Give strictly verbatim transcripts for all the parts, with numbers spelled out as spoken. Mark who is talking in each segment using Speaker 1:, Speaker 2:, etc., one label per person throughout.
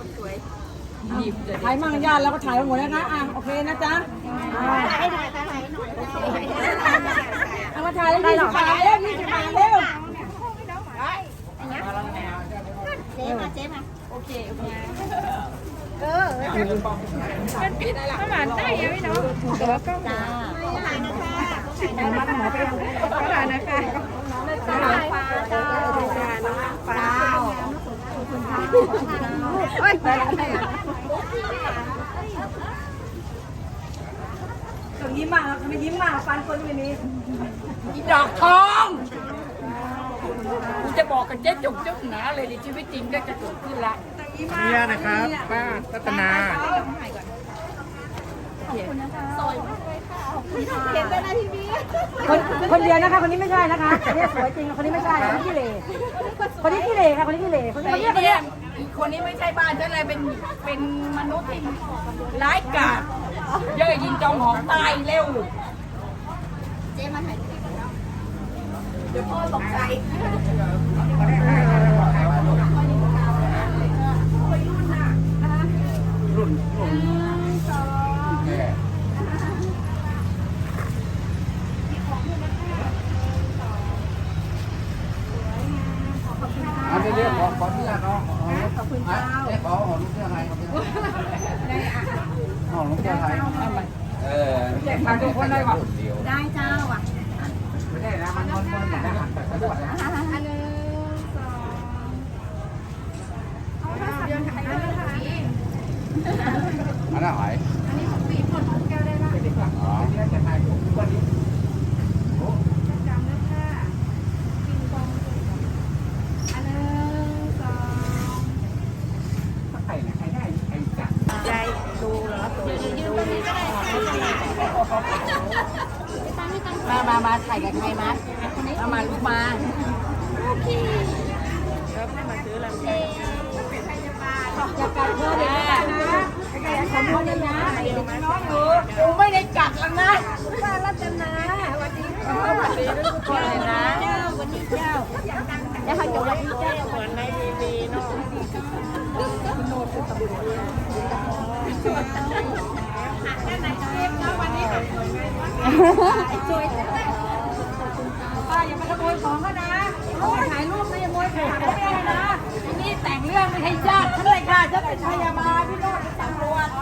Speaker 1: ถ่ายมั่งญาติแล้วก็ถ่ายไปหมดแล้วนะอ่ะโอเคนะจ๊ะถ่ายหน่อยถ่ายหน่อยเอามาถ่ายแล้วยี่สิบบาทเร็วยี่สิบบาทเร็วเจ๊มาเจ๊มาโอเคโอเคเออเป็นปิดอะไรล่ะประมาณได้ยังไม่เนาะเดี๋ยวก็จ้าถ่ายนะคะถ่ายมาหมอไปถ่ายนะคะฟ้าฟ้าเจ้าฟ้าคุณค่ะโอ้ยไปอะไรอ่ะต้องยิ้มมากครับไม่ยิ้มมากฟันคนวันนี้อีดอกทองกูจะบอกกับเจ๊จุกจุกหนาเลยในชีวิตจริงก็จะเกิดขึ้นละ
Speaker 2: เนี่ยนะครับป้ารัตนา
Speaker 1: เห็นไปนะทีนี้คนคนเดียวนะคะคนนี้ไม่ใช่นะคะคนนี้สวยจริงคนนี้ไม่ใช่คนนี้ขี้เหร่คนนี้ขี้เหร่ค่ะคนนี้ขี้เหร่คนนี้คนนี้คนนี้คนนี้ไม่ใช่บ้านฉันเลยเป็นเป็นมนุษย์ที่ร้ายกาจเย่อยิงจองหองตายเร็วเจ๊มาถ่ายคลิปแล้วเดี๋ยวพ่อตกใจ
Speaker 2: รุ่นรุ่นอันนี้เรียกขอขอเสื้อเนาะขอบคุณเจ้าเรียกขอหอมลูกเสื้อไทยครับหอมลูกเสื้อไทยเออเรียกมาทุกคนได้ป่ะ
Speaker 1: ได้เจ้าอ่ะ
Speaker 2: ไม่ได้นะมันมันมันอย่างนั้นแต่สะดวกนะ
Speaker 1: อันหนึ่งสองเอาถ้าสับยนต์ถ่ายได้ค่ะ
Speaker 2: อันนั้นหอย
Speaker 1: อันนี้ของปีผลของแก้วได้ละ
Speaker 2: อ๋อนี่จะถ่ายผมวันนี้
Speaker 1: จำนะค่ะปิงปองอันหนึ่งสอง
Speaker 2: ใครนะใครได้ใครจัด
Speaker 1: ใจดูเหรอตัวดูมีมามามาถ่ายกับใครมามามาลูกมาโอเคแล้วให้มาซื้อลำไยจะกัดเธอเด็กนะขโมยเลยนะน้องอยู่กูไม่ได้กัดแล้วนะป้ารัตนาวันนี้สวัสดีทุกคนเลยนะเจ้าวันนี้เจ้าแล้วเขาจะวันนี้เจ้าเหมือนในทีวีเนาะโน้ตคือตำรวจป้าอย่ามาขโมยของเขานะเขาถ่ายรูปนะอย่าขโมยของเขาไม่ได้นะนี่แต่งเรื่องไม่ให้ญาติฉันเลยค่ะฉันเป็นพยาบาลพี่โน้ตเป็นตำรวจ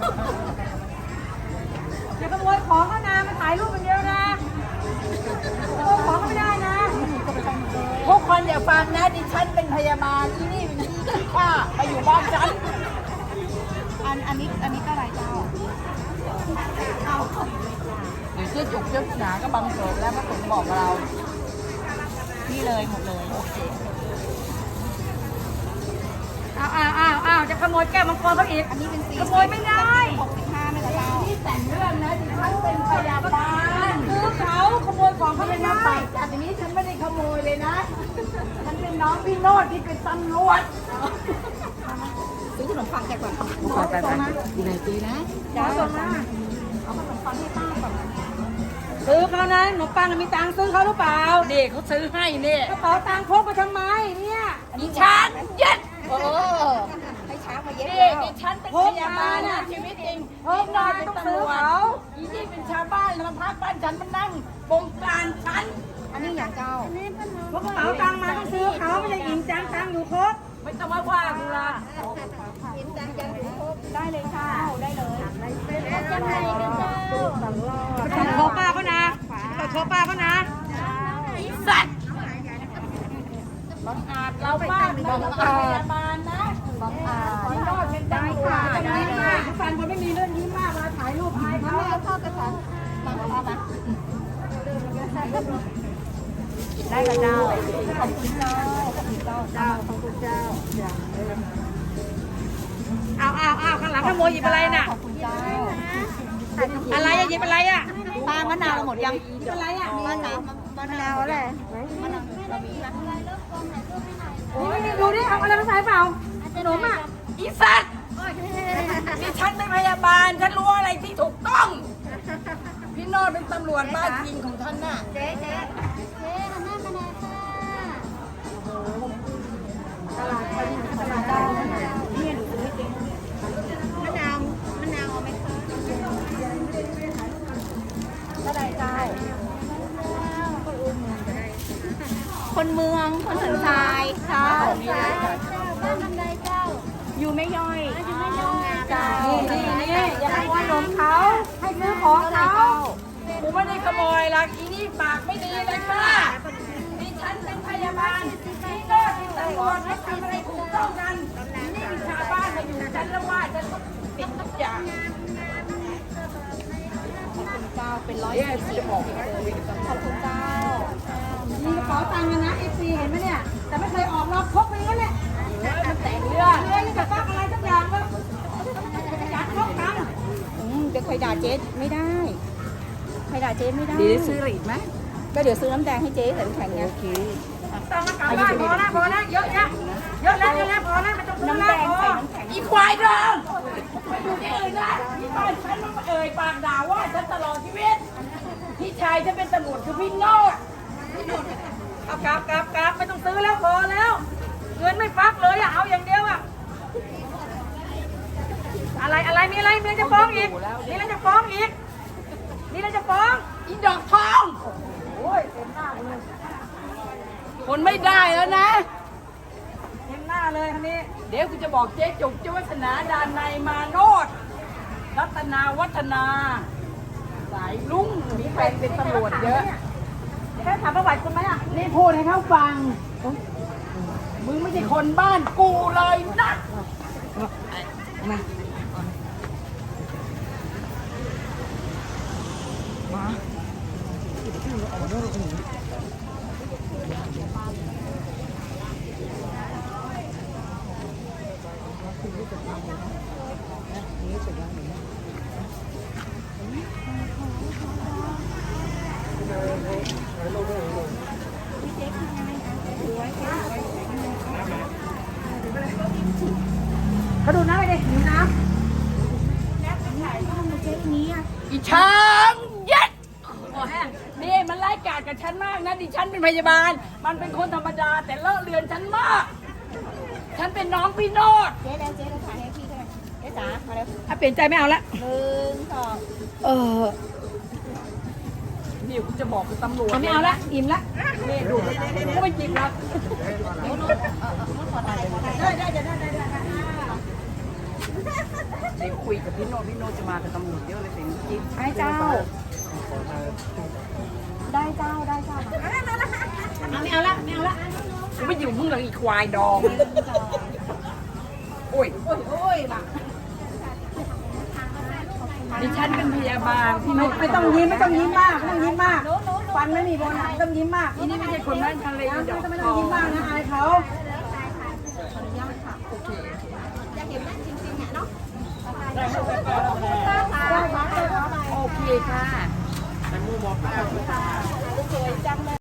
Speaker 1: อย่าขโมยของเขานะมาถ่ายรูปคนเดียวนะขโมยของเขาไม่ได้นะทุกคนอย่าฟังนะดิฉันเป็นพยาบาลที่นี่เป็นที่ที่ข้าไปอยู่บ้านฉันอันอันนี้อันนี้ก็อะไรเจ้าเอาเดี๋ยวเจ๊จุกเจ๊หนาก็บังเกิดแล้วพระสงฆ์บอกเรานี่เลยหมดเลยโอเคอ้าวอ้าวอ้าวอ้าวจะขโมยแก้วมังกรเขาอีกอันนี้เป็นสีขโมยไม่ได้หกสิบห้าไม่ได้เราที่แต่งเรื่องนะดิฉันเป็นพยาบาลคือเขาขโมยของเขาไม่ได้จากนี้ฉันไม่ได้ขโมยเลยนะฉันเป็นน้องพี่โนดที่เป็นตำรวจซื้อขนมปังแกก่อนไปไปอยู่ไหนตีนะจ้าส่งมาเอาขนมปังให้ป้าก่อนซื้อเขานะขนมปังมีตังค์ซื้อเขาหรือเปล่าเด็กเขาซื้อให้เนี่ยกระเป๋าตังค์พกมาทำไมเนี่ยดิฉันเย็ดโอ้ให้ช้างมาเย็ดเลยดิฉันเป็นพยาบาลนะชีวิตจริงพี่นายเป็นตำรวจอีนี่เป็นชาวบ้านมาพักบ้านฉันมานั่งบงการฉันอันนี้อย่างเจ้าพกกระเป๋าตังค์มาต้องซื้อเขาไม่ได้หญิงจังตังค์อยู่ครบไม่ต้องมาว่ากูละหญิงจังจังอยู่ครบได้เลยค่ะได้เลยเป็นจังไรกันเจ้าต้องโชว์ป้าเขานะต้องโชว์ป้าเขานะอีสัตว์บังอาจเราบ้านเราเป็นพยาบาลนะบังอาจพี่โนดเป็นตำรวจได้ค่ะทุกคนคนไม่มีเรื่องยิ้มมากมาถ่ายรูปถ่ายเขาเอาเข้ากระสันบังอาจนะได้กับเจ้าขอบคุณเจ้าขอบคุณเจ้าเจ้าขอบคุณเจ้าเอาเอาเอาข้างหลังขโมยหยิบอะไรน่ะขอบคุณเจ้าอะไรอะหยิบอะไรอะปลามะนาวหมดยังหยิบอะไรอะมะนาวมะนาวอะไรมะนาวเรามีโอ้ยดูดิเอาอะไรมาใส่เปล่าขนมอ่ะอีสัตว์นี่ฉันเป็นพยาบาลฉันรู้อะไรที่ถูกต้องพี่โนดเป็นตำรวจบ้านจริงของท่านน่ะเจ๊เจ๊เจ๊หันหน้ามาหน่อยค่ะตลาดตลาดเจ้าเนี่ยดูสิ
Speaker 3: องคนสันทรายเจ้าบ้านบันไดเจ้าอยู่ไม่ย่อยอยู่ไม่ย่อยเจ้า
Speaker 1: นี่นี่นี่อย่าขโมยขนมเขาให้ซื้อของเขากูไม่ได้ขโมยหรอกอีนี่ปากไม่ดีเลยค่ะดิฉันเป็นพยาบาลนี่ก็ที่ตำรวจให้ทำอะไรถูกต้องกันนี่ชาวบ้านมาอยู่ฉันแล้วว่าฉันต้องติดทุกอย่าง
Speaker 3: ขอบคุณเจ้าเป็นร้อยยี่สิบขอบคุณเจ้า
Speaker 1: มีกระเป๋าตังค์นะเอฟซีเห็นไหมเนี่ยแต่ไม่เคยออกรอบพกไปงั้นแหละ
Speaker 3: มันแต่งเรื่อง
Speaker 1: เรื่องนี่กับฟักอะไรสักอย่างก็ยัดพกตังค์
Speaker 3: อืมจะเคยด่าเจ๊ไม่ได้ใครด่าเจ๊ไม่ได้
Speaker 1: ดีได้ซื้อหลีดไหม
Speaker 3: ก็เดี๋ยวซื้อน้ำแดงให้เจ๊ใส่น้ำแข็งไงโอเค
Speaker 1: ต้องมากลับบ้านพอแล้วพอแล้วเยอะแยะเยอะแล้วเยอะแล้วพอแล้วไม่ต้องซื้อ
Speaker 3: น้ำ
Speaker 1: แล้
Speaker 3: แด
Speaker 1: ว
Speaker 3: ง
Speaker 1: พอ
Speaker 3: ใส่น้ำแข็ง
Speaker 1: อีควายดองไปอยู่ที่อื่นนะที่บ้านฉันมันเอ่ยปากด่าว่าฉันตลอดชีวิตพี่ชายฉันเป็นตำรวจคือพี่โนดเอากลับกลับกลับไม่ต้องซื้อแล้วพอแล้ว เงินไม่ฟักเลยอะเอาอย่างเดียวอะอะไรอะไรมีอะไรมีอะไรจะฟ้องอีกมีอะไรจะฟ้องอีกมีอะไรจะฟ้องอีดอกทองโอ้ยเต็มหน้าเลยคนไม่ได้แล้วนะเต็มหน้าเลยคันนี้เดี๋ยวกูจะบอกเจ๊จุกเจ้าวัฒนาดานในยมาโนดรัตนาวัฒนา สายลุงมีแฟนเป็นตำรวจเยอะเดี๋ยวให้ถามประวัติคุณไหมอ่ะนี่พูดให้เขาฟัง มึงไม่ใช่คนบ้านกูเลยนะมาเขาดูน้ำไปดิดูน้ำอีช้างยัดนี่มันไล่กาดกับฉันมากนะดิฉันเป็นพยาบาล มันเป็นคนธรรมดาแต่เลอะเลือนฉันมาก ฉันเป็นน้องพี่โนด
Speaker 3: เจ๊แล้วเจ๊แล้วถ่ายให้พี่ด้วยเจ๊จ๋ามาเร็ว
Speaker 1: ถ้าเปลี่ยนใจไม่เอาละ
Speaker 3: หนึ่งสอง
Speaker 1: เออนี่กูจะบอกกับตำรวจไม่เอาละอิ่มละนี่ดูกูไม่จิบละได้ได้ได้ได้ได้เดี๋ยวคุยกับพี่โนพี่โนจะมากับตำรวจเยอะเลยสิเมื่อกี้
Speaker 3: ให้เจ้า ได้เจ้าได้เจ้า
Speaker 1: ไม่เอาละไม่เอาละกูไม่อยู่มึงเลยอีควายดองโอ้ยโอ้ยโอ้ยบ้าดิฉันเป็นพยาบาลพี่โนไม่ต้องยิ้มไม่ต้องยิ้มมากไม่ต้องยิ้มมากฟันไม่มีโบนัสต้องยิ้มมากอีนี่ไม่ใช่คนบ้านทะเลดอกไม่ต้องยิ้มมากนะอายเขา
Speaker 3: อยากเห็นแม่จริงๆอ่ะเนาะ
Speaker 1: โอเคค่ะ
Speaker 3: สวยจังเลย